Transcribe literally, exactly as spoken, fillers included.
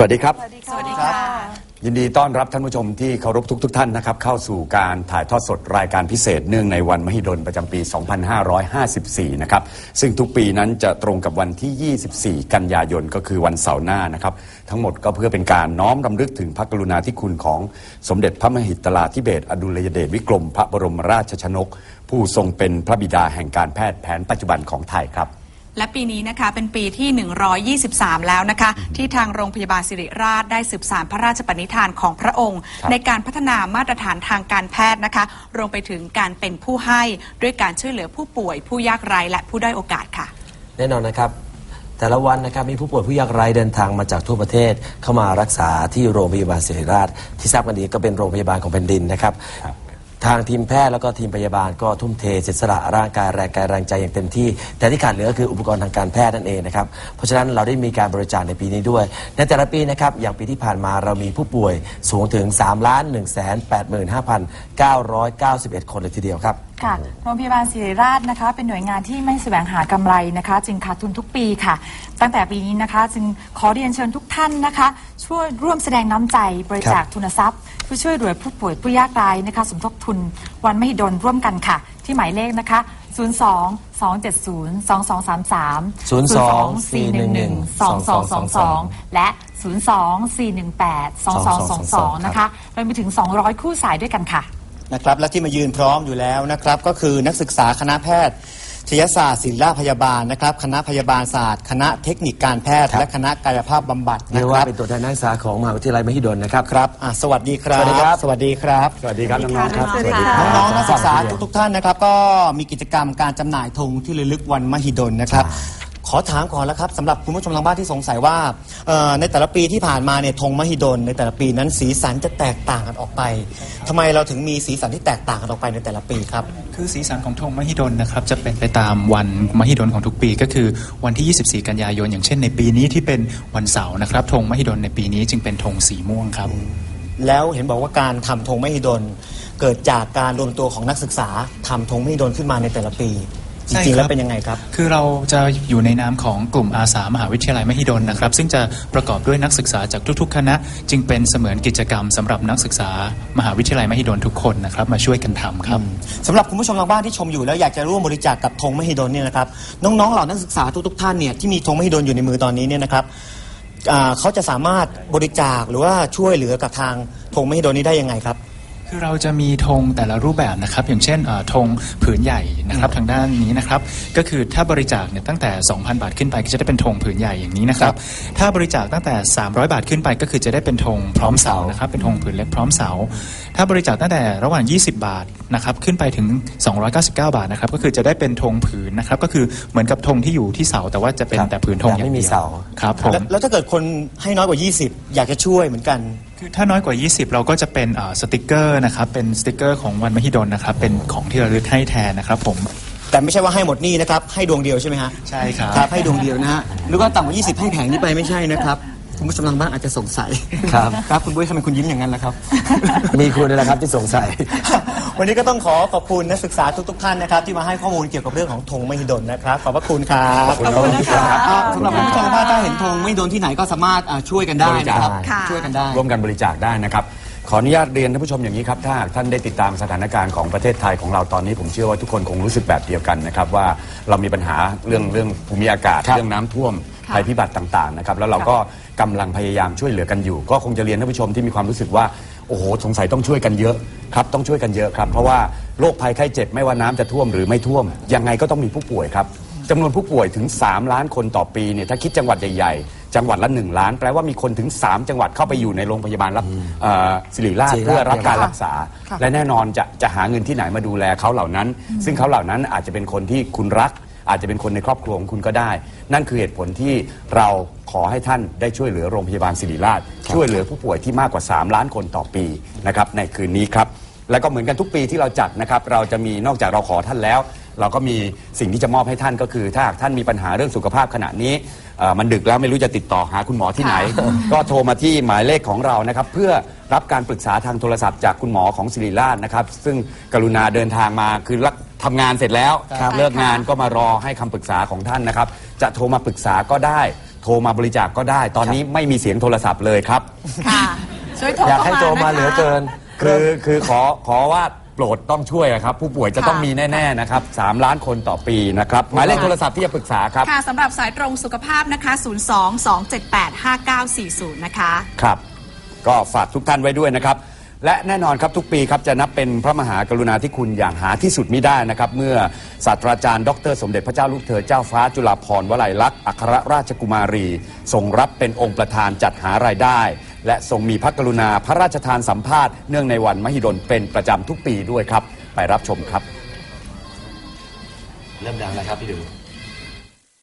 วัสดีครับสวัสดีค่ะยินดีต้อนรับท่านผู้ชมที่เคารพทุกๆ ท่านนะครับเข้าสู่การถ่ายทอดสดรายการพิเศษเนื่องในวันมหิดลประจำปี สองพันห้าร้อยห้าสิบสี่ นะครับซึ่งทุกปีนั้นจะตรงกับวันที่ ยี่สิบสี่ กันยายนก็คือวันเสาร์หน้านะครับทั้งหมดก็เพื่อเป็นการน้อมรำลึกถึงพระกรุณาธิคุณของสมเด็จพระมหิดลาธิเบศรอดุลยเดชวิกรมพระบรมราชชนกผู้ทรงเป็นพระบิดาแห่งการแพทย์แผนปัจจุบันของไทยครับและปีนี้นะคะเป็นปีที่หนึ่งร้อยยี่สิบสามแล้วนะคะที่ทางโรงพยาบาลศิริราชได้สืบสานพระราชปณิธานของพระองค์ในการพัฒนามาตรฐานทางการแพทย์นะคะรวมไปถึงการเป็นผู้ให้ด้วยการช่วยเหลือผู้ป่วยผู้ยากไร้และผู้ด้อยโอกาสค่ะแน่นอนนะครับแต่ละวันนะครับมีผู้ป่วยผู้ยากไร้เดินทางมาจากทั่วประเทศเข้ามารักษาที่โรงพยาบาลศิริราชที่ทราบกันดีก็เป็นโรงพยาบาลของแผ่นดินนะครับทางทีมแพทย์แล้วก็ทีมพยาบาลก็ทุ่มเทเสียสละร่างกายแรงกายแรงใจอย่างเต็มที่แต่ที่ขาดเหลือก็คืออุปกรณ์ทางการแพทย์นั่นเองนะครับเพราะฉะนั้นเราได้มีการบริจาคในปีนี้ด้วยในแต่ละปีนะครับอย่างปีที่ผ่านมาเรามีผู้ป่วยสูงถึง สามล้าน หนึ่งแสนแปดหมื่นห้าพันเก้าร้อยเก้าสิบเอ็ด คนเลยทีเดียวครับค่ะโรงพยาบาลศิริราชนะคะเป็นหน่วยงานที่ไม่แสวงหากำไรนะคะจึงขาดทุนทุกปีค่ะตั้งแต่ปีนี้นะคะจึงขอเรียนเชิญทุกท่านนะคะช่วยร่วมแสดงน้ำใจบริจาคทุนทรัพย์เพื่อช่วยเหลือผู้ป่วยผู้ยากไร้นะคะสมทบทุนวันมหิดลร่วมกันค่ะที่หมายเลขนะคะศูนย์ สอง สอง เจ็ด ศูนย์ สอง สอง สาม สามศูนย์ สอง สี่ หนึ่ง หนึ่ง สอง สอง สอง สองและศูนย์ สอง สี่ หนึ่ง แปด สอง สอง สอง สองนะคะรวมไปถึงสองร้อยคู่สายด้วยกันค่ะนะครับและที่มายืนพร้อมอยู่แล้วนะครับก็คือนักศึกษาคณะแพทยศาสตร์ศิริราชพยาบาลนะครับคณะพยาบาลศาสตร์คณะเทคนิคการแพทย์และคณะกายภาพบำบัดนะเรียกคว่ารับเป็นตัวแทนนักศึกษาของมหาวิทยาลัยมหิดลนะครับครับสวัสดีครับสวัสดีครับสวัสดีครับสวัสดีครับน้องๆครับสวัสดีค่ะน้องๆนักศึกษาทุกๆท่านนะครับก็มีกิจกรรมการจำหน่ายธงที่ระลึกวันมหิดลนะครับขอถามก่อนแล้วครับสำหรับคุณผู้ชมทางบ้านที่สงสัยว่าในแต่ละปีที่ผ่านมาเนี่ยธงมหิดลในแต่ละปีนั้นสีสันจะแตกต่างกันออกไปทำไมเราถึงมีสีสันที่แตกต่างกันออกไปในแต่ละปีครับคือสีสันของธงมหิดลนะครับจะเป็นไปตามวันมหิดลของทุกปีก็คือวันที่ยี่สิบสี่กันยายนอย่างเช่นในปีนี้ที่เป็นวันเสาร์นะครับธงมหิดลในปีนี้จึงเป็นธงสีม่วงครับแล้วเห็นบอกว่าการทำธงมหิดลเกิดจากการรวมตัวของนักศึกษาทำธงมหิดลขึ้นมาในแต่ละปีจริงๆแล้วเป็นยังไงครับคือเราจะอยู่ในนามของกลุ่มอาสามหาวิทยาลัยมหิดลนะครับซึ่งจะประกอบด้วยนักศึกษาจากทุกๆคณะจึงเป็นเสมือนกิจกรรมสำหรับนักศึกษามหาวิทยาลัยมหิดลทุกคนนะครับมาช่วยกันทำครับสำหรับคุณผู้ชมทางบ้านที่ชมอยู่แล้วอยากจะร่วมบริจาคกับธงมหิดลเนี่ยนะครับน้องๆเหล่านักศึกษาทุกๆท่านเนี่ยที่มีธงมหิดลอยู่ในมือตอนนี้เนี่ยนะครับเขาจะสามารถบริจาคหรือว่าช่วยเหลือกับทางธงมหิดลนี้ได้ยังไงครับคือเราจะมีธงแต่ละรูปแบบนะครับอย่างเช่นธงผืนใหญ่นะครับทางด้านนี้นะครับก็คือถ้าบริจาคเนี่ยตั้งแต่ สองพัน บาทขึ้นไปก็จะได้เป็นธงผืนใหญ่อย่างนี้นะครับถ้าบริจาคตั้งแต่สามร้อยบาทขึ้นไปก็คือจะได้เป็นธงพร้อมเสานะครับเป็นธงผืนเล็กพร้อมเสาถ้าบริจาคตั้งแต่ระหว่างยี่สิบบาทนะครับขึ้นไปถึงสองร้อยเก้าสิบเก้าบาทนะครับก็คือจะได้เป็นธงผืนนะครับก็คือเหมือนกับธงที่อยู่ที่เสาแต่ว่าจะเป็นแต่ผืนธงอย่างเดียวครับผมแล้วถ้าเกิดคนให้น้อยกว่ายี่สิบอยากจะช่วยเหมือนกันคือถ้าน้อยกว่ายี่สิบเราก็จะเป็นสติกเกอร์นะครับเป็นสติกเกอร์ของวันมหิดลนะครับเป็นของที่ระลึกให้แทนนะครับผมแต่ไม่ใช่ว่าให้หมดนี่นะครับให้ดวงเดียวใช่ไหมฮะใช่ครับครับให้ดวงเดียวนะฮะหรือว่าต่ำกว่ายี่สิบให้แผงนี้ไปไม่ใช่นะครับคุณผู้ชมทางบ้านอาจจะสงสัยครับครับคุณบุ้ยทำไมคุณยิ้มอย่างนั้นล่ะครับมีคุณนี่แหละครับที่สงสัยวันนี้ก็ต้องขอขอบคุณนักศึกษาทุกๆท่านนะครับที่มาให้ข้อมูลเกี่ยวกับเรื่องของธงมหิดลนะครับขอบพระคุณครับขอบคุณนะครับสำหรับคุณผู้ชมทางบ้านถ้าเห็นธงมหิดลที่ไหนก็สามารถช่วยกันได้นะครับช่วยกันได้ร่วมกันบริจาคได้นะครับขออนุญาตเรียนท่านผู้ชมอย่างนี้ครับถ้าท่านได้ติดตามสถานการณ์ของประเทศไทยของเราตอนนี้ผมเชื่อว่าทุกคนคงรู้สึกแบบเดียวกันนะครับว่าเรามีปัญหาเรื่องเรื่องภูมิอากาศเรื่องน้ำท่วมภัยพิบัติต่างๆนะครับแล้วเราก็กำลังพยายามช่วยเหลือกันอยู่ก็คงจะเรียนท่านผู้ชมที่มีความรู้สึกว่าโอ้โหสงสัยต้องช่วยกันเยอะครับต้องช่วยกันเยอะครับเพราะว่าโรคภัยไข้เจ็บไม่ว่าน้ำจะท่วมหรือไม่ท่วมยังไงก็ต้องมีผู้ป่วยครับจำนวนผู้ป่วยถึงสามล้านคนต่อปีเนี่ยถ้าคิดจังหวัดใหญ่ๆจังหวัดละหนึ่งล้านแปลว่ามีคนถึงสามจังหวัดเข้าไปอยู่ในโรงพยาบาลรับศิริราชเพื่อรับการรักษาและแน่นอนจะจะหาเงินที่ไหนมาดูแลเขาเหล่านั้นซึ่งเขาเหล่านั้นอาจจะเป็นคนที่คุณรักอาจจะเป็นคนในครอบครัวของคุณก็ได้นั่นคือเหตุผลที่เราขอให้ท่านได้ช่วยเหลือโรงพยาบาลศิริราชช่วยเหลือผู้ป่วยที่มากกว่าสามล้านคนต่อปีนะครับในคืนนี้ครับแล้วก็เหมือนกันทุกปีที่เราจัดนะครับเราจะมีนอกจากเราขอท่านแล้วเราก็มีสิ่งที่จะมอบให้ท่านก็คือถ้าท่านมีปัญหาเรื่องสุขภาพขณะนี้มันดึกแล้วไม่รู้จะติดต่อหาคุณหมอที่ไหนก็โทรมาที่หมายเลขของเรานะครับเพื่อรับการปรึกษาทางโทรศัพท์จากคุณหมอของศิริราชนะครับซึ่งกรุณาเดินทางมาคือทำงานเสร็จแล้วเลิกงานก็มารอให้คำปรึกษาของท่านนะครับจะโทรมาปรึกษาก็ได้โทรมาบริจาคก็ได้ ตอนนี้ไม่มีเสียงโทรศัพท์เลยครับค่ะช่วยโทรอยากเข้าให้มาโทรมานะคะเหลือเกินคือคือขอขอว่าโปรดต้องช่วยอะครับ ผู้ป่วยจะค่ะต้องมีแน่ๆนะครับสามล้านคนต่อปีนะครับหมายเลขโทรศัพท์ที่จะปรึกษาครับค่ะสำหรับสายตรงสุขภาพนะคะ ศูนย์ สอง สอง เจ็ด แปด ห้า เก้า สี่ ศูนย์ นะคะครับก็ฝากทุกท่านไว้ด้วยนะครับและแน่นอนครับทุกปีครับจะนับเป็นพระมหากรุณาธิคุณอย่างหาที่สุดมิได้นะครับเมื่อศาสตราจารย์ดรสมเด็จพระเจ้าลูกเธอเจ้าฟ้าจุฬาภรณ์วลัยลักษณ์อัครราชกุมารีทรงรับเป็นองค์ประธานจัดหารายได้และทรงมีพระกรุณาพระราชทานสัมภาษณ์เนื่องในวันมหิดลเป็นประจำทุกปีด้วยครับไปรับชมครับเริ่มดังแล้วครับพี่ดู